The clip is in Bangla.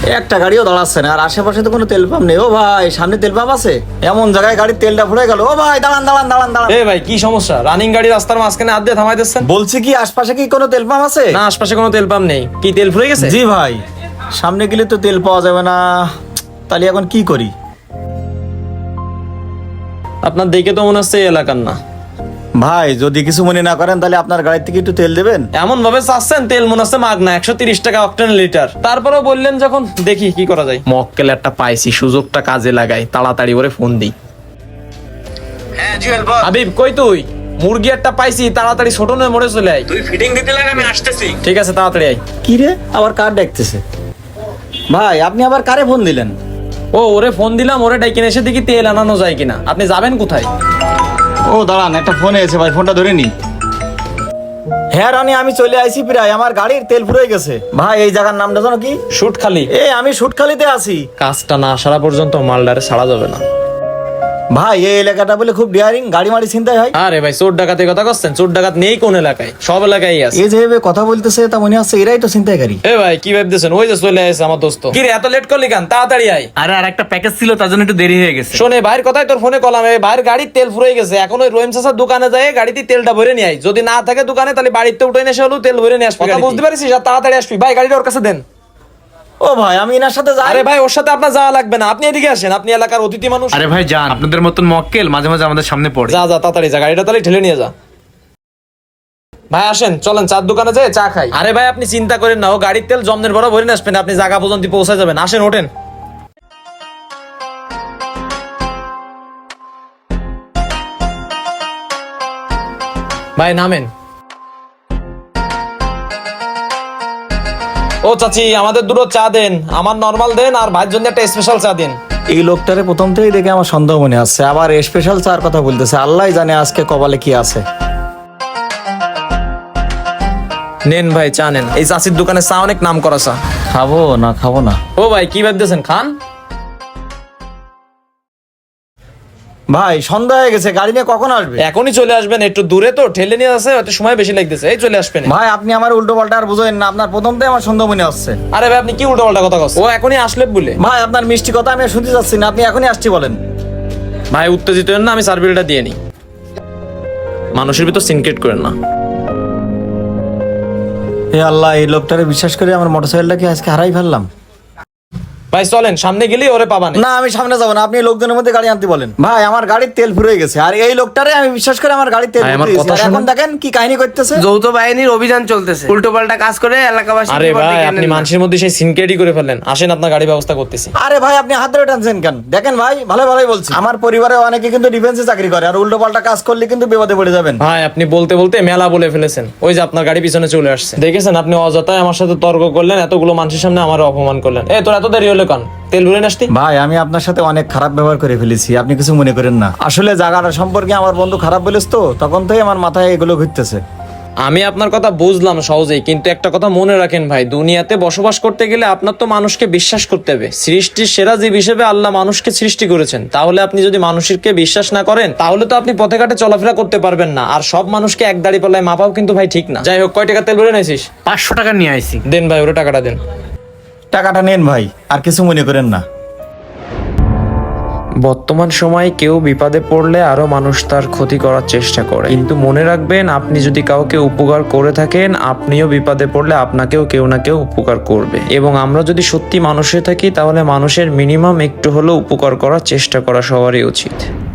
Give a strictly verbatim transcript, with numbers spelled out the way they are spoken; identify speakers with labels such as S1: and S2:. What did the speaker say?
S1: একটা গাড়িও দাঁড়াচ্ছে না, আর আশেপাশে তো কোনো তেল পাম্প নেই। ও ভাই, সামনে তেল পাম্প আছে? এমন জায়গায় গাড়ির তেলটা ফুরে গেল। ও ভাই, দাঁড়ান দাঁড়ান দাঁড়ান দাঁড়ান।
S2: এ ভাই, কি সমস্যা? রানিং গাড়ি রাস্তার মাঝখানে হাত দিয়ে থামাই দিচ্ছেন।
S1: বলছি কি, আশপাশে কি কোনো তেল পাম্প আছে?
S2: না, আশপাশে কোনো তেল পাম্প নেই। কি তেল ফুরে গেছে?
S1: জি ভাই, সামনে গেলে তো তেল পাওয়া যাবে না, তাহলে এখন কি করি?
S2: আপনার দেখে তো মনে হচ্ছে এই এলাকার না।
S1: ভাই, যদি কিছু মনে না করেন তাহলে আপনার গাড়ির থেকে একটু তেল দেবেন।
S2: এমন ভাবে চাচ্ছেন, তেল মনে হচ্ছে মাগনা, একশো তিরিশ টাকা অক্টেন লিটার। তারপরেও বললেন যখন, দেখি কি করা যায়। মক্কেল একটা পাইছি, সুযোগটা কাজে লাগাই, তাড়াতাড়ি করে ফোন দিই। হাবিব, কই তুই? মুরগি একটা পাইছি, তাড়াতাড়ি ছোট নয় মরে চলে আয়। তুই ফিটিং দিতে লাগে, আমি আসতেছি। ঠিক আছে, তাড়াতাড়ি আয়।
S1: কি রে, আবার কার ডাকতেছে? ভাই, আপনি আবার কারে ফোন দিলেন?
S2: ও, ওরে ফোন দিলাম, ওরে ডাইকে এসে দেখি তেল আনানো যায় কিনা। আপনি যাবেন কোথায়?
S1: ও দাঁড়ান, একটা ফোন এসেছে ভাই, ফোনটা ধরে নি। হ্যাঁ রানি, আমি চলে আইছি প্রায়, আমার গাড়ির তেল ফুরে গেছে। ভাই, এই জায়গার নামটা জানো কি?
S2: শুটখালি।
S1: এ, আমি শুটখালিতে আছি।
S2: কাজটা না সারা পর্যন্ত মালদারে ছাড়া যাবে না।
S1: ভাই, এই এলাকাটা বলে খুব ডিয়ারিং, গাড়ি মারি চিন্তায় হয়।
S2: আরে ভাই, চোর ডাকাতের কথা করছেন? চোর ডাকাত নেই কোন এলাকায়? সব এলাকায় আছে।
S1: এই যে এভাবে কথা বলতেছে, তা মনে হচ্ছে এরাই তো চিন্তায়কারী।
S2: এ ভাই, কি ভাবতেছেন? ওই যে চলে আসছে আমার দোস্ত। কি রে, এত লেট করলি কেন? তাড়াতাড়ি আয়।
S3: আরে আর একটা প্যাকেজ ছিল, তার জন্য একটু দেরি হয়ে গেছে।
S2: শোনে, ভাইয়ের কথাই তোর ফোনে কলাম। এই ভাইয়ের গাড়ির তেল ফুরে গেছে, এখন ওই রহিম চাচার দোকানে যায় গাড়িতে তেলটা ভরে নিয়ে আয়। যদি না থাকে দোকানে, তাহলে বাড়িতে উঠে এসে হলো তেল ভরে নিয়ে আসবি। কথা বুঝতে পারিস? আর তাড়াতাড়ি আসবি। ভাই, গাড়িটা ওর কাছে দেন।
S1: ও ভাই, আমি এনার সাথে যাই।
S2: আরে ভাই, ওর সাথে আপনার যাওয়া লাগবে না, আপনি এদিকে আসেন, আপনি এলাকার অতিথি মানুষ।
S3: আরে ভাই যান, আপনাদের মতন মক্কেল মাঝে মাঝে আমাদের সামনে পড়ে।
S2: যা যা, তাড়াতাড়ি যা, গাড়িটা তাহলে ঠেলে নিয়ে যা। ভাই আসেন, চলেন চার দোকানে যাই চা খাই। আরে ভাই, আপনি চিন্তা করেন না, ও গাড়ির তেল জমনের বড় ভরে নিয়ে আসবেন, আপনি জায়গা পর্যন্ত পৌঁছে যাবেন। আসেন, ওঠেন। ভাই নামেন। ও চাচি, আমাদের দুটো চা দেন। আমার নরমাল দেন, আর ভাইয়ের জন্য একটা স্পেশাল চা দেন।
S1: এই লোকটারে প্রথম থেকেই দেখে আমার সন্দেহ মনে আসছে, আবার স্পেশাল চার কথা বলতেছে। আল্লাহ জানে আজকে কপালে কি আছে।
S2: নেন ভাই, চা নেন। এই চাচির দোকানে চা অনেক নাম করা চা।
S1: খাবো না খাবো না।
S2: ও ভাই, কি ভাবতেছেন? খান।
S1: ভাই, সন্ধ্যা হয়ে গেছে, গাড়ি নিয়ে কখন আসবে?
S2: এখনই চলে আসবেন, একটু দূরে তো, ঠেলে নিয়ে আসে, হয়তো সময় বেশি লাগতেছে। এই চলে আসবেন।
S1: ভাই, আপনি আমার উল্টো পাল্টা আর বুঝেন না, আপনার প্রথম থেকে আমার সন্দেহ মনে আসছে।
S2: আরে ভাই, আপনি কি উল্টো পাল্টা কথা বলছেন? ও এখনই আসলে বলে।
S1: ভাই, আপনার মিষ্টি কথা আমি আর শুনতে চাচ্ছি না, আপনি এখনই আসছি বলেন।
S2: ভাই উত্তেজিত হন না, আমি সার্ভিসটা দিয়ে নিই। মানুষের ভিতর সিনক্রেট করেন না।
S1: হে আল্লাহ, এই লোকটারে বিশ্বাস করে আমার মোটরসাইকেলটাকে আজকে হারাই ফেললাম।
S2: ভাই চলেন, সামনে গেলেই ওরে পাবান।
S1: না, আমি সামনে যাবো না, আপনি লোকজনের মধ্যে গাড়ি আনতে বলেন। ভাই, আমার গাড়ির তেল ফুরে গেছে, আর এই লোকটারে আমি বিশ্বাস করে আমার গাড়ির তেল
S2: ভাই,
S1: ফুরিয়ে
S2: আমার
S1: দিয়েছি,
S2: কথা
S1: আর এখন দেখেন কি কাহিনী করতেছে।
S4: যৌথ বাহিনীর অভিযান চলতেছে, উল্টো পাল্টা কাজ করে এলাকাবাসী।
S2: আরে ভাই, আপনি মানুষের মধ্যে সেই সিনক্রেটই করে ফেললেন। আসেন, আপনার গাড়ি ব্যবস্থা করতেছি।
S1: আরে ভাই, আপনি হাত ধরে টানছেন কেন? দেখেন ভাই, ভালো ভালোই বলছি, আমার পরিবারে অনেকে কিন্তু ডিফেন্সে চাকরি করে, আর উল্টো পাল্টা কাজ করলে কিন্তু বিপদে পড়ে যাবেন।
S2: ভাই, আপনি বলতে বলতে মেলা বলে ফেলেছেন। ওই যে আপনার গাড়ি পিছনে চলে আসছে, দেখেছেন? আপনি অযথায় আমার সাথে তর্ক করলেন, এতগুলো মানুষের সামনে আমার অপমান করলেন। এ, তোর এত দেরি হলো কেন? তেল ভরে আসতি।
S1: ভাই, আমি আপনার সাথে অনেক খারাপ ব্যবহার করে ফেলেছি, আপনি কিছু মনে করেন না। আসলে জায়গাটা সম্পর্কে আমার বন্ধু খারাপ বলিস তো, তখন থেকে আমার মাথায় এগুলো ঘুরতেছে।
S2: আমি আপনার কথা বুঝলাম সহজেই, কিন্তু একটা কথা মনে রাখেন ভাই, দুনিয়াতে বসবাস করতে গেলে আপনার তো মানুষকে বিশ্বাস করতে হবে। সৃষ্টির সেরা জীব হিসেবে আল্লাহ মানুষকে সৃষ্টি করেছেন, তাহলে আপনি যদি মানুষকে বিশ্বাস না করেন, তাহলে তো আপনি পথে ঘাটে চলাফেরা করতে পারবেন না। আর সব মানুষকে এক দাড়ি পাল্লায় মাপাও কিন্তু ভাই ঠিক না। যাই হোক, কয় টাকা তেল ভরে নিয়েছিস?
S3: পাঁচশো টাকা নিয়ে আইছি।
S2: দেন ভাই, ওরে টাকাটা দেন।
S1: টাকাটা নেন ভাই, আর কিছু মনে করেন না।
S2: বর্তমান সময়ে কেউ বিপদে পড়লে আরো মানুষ তার ক্ষতি করার চেষ্টা করে, কিন্তু মনে রাখবেন, আপনি যদি কাউকে উপকার করে থাকেন, আপনিও বিপদে পড়লে আপনাকেও কেউ না কেউ উপকার করবে। এবং আমরা যদি সত্যি মানুষে থাকি, তাহলে মানুষের মিনিমাম একটু হলেও উপকার করার চেষ্টা করা সবারই উচিত।